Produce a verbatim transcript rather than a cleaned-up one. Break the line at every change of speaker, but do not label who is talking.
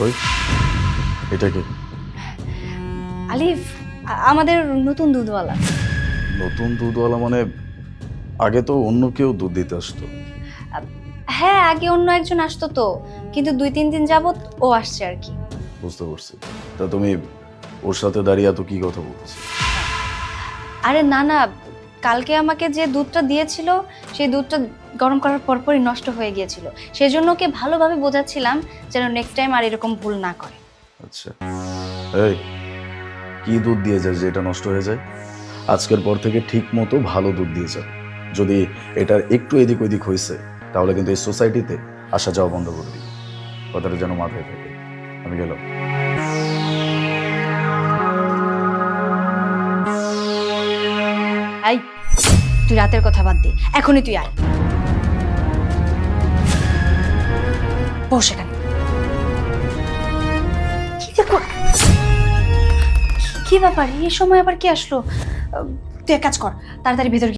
কই এটা কি?
আলিফ আ- আমাদের নতুন দুধওয়ালা।
নতুন দুধওয়ালা মানে আগে তো অন্য কেউ দুধ দিতে আসতো।
হ্যাঁ, আগে অন্য একজন আসতো তো, কিন্তু দুই তিন দিন যাবত ও আসছে আর কি।
বুঝতে পারছি। তা তুমি ওর সাথে দাঁড়িয়ে এত কি কথা বলতেছো?
আরে না না, কালকে আমাকে যে দুধটা দিয়েছিল সেই দুধটা গরম করার পরপরই নষ্ট হয়ে গিয়েছিল। সেজন্য ওকে ভালোভাবে বোঝাচ্ছিলাম যেন নেক্সট টাইম আর এরকম ভুল না করে।
আচ্ছা, এই কি দুধ দিয়ে যায় যে এটা নষ্ট হয়ে যায়? আজকের পর থেকে ঠিক মতো ভালো দুধ দিয়ে যাবে। যদি এটার একটু এদিক ওদিক হয়েছে তাহলে কিন্তু এই সোসাইটিতে আসা যাওয়া বন্ধ করে দিই। কথাটা যেন মাথায় থাকে। আমি গেলাম।
এই, তুই রাতের কথা বাদ দে, এখনই তুই আয়। বস এখানে। কি দেখো, কি ব্যাপার এই সময় আবার কি আসলো? আহ, তুই এক কাজ কর, তাড়াতাড়ি ভেতর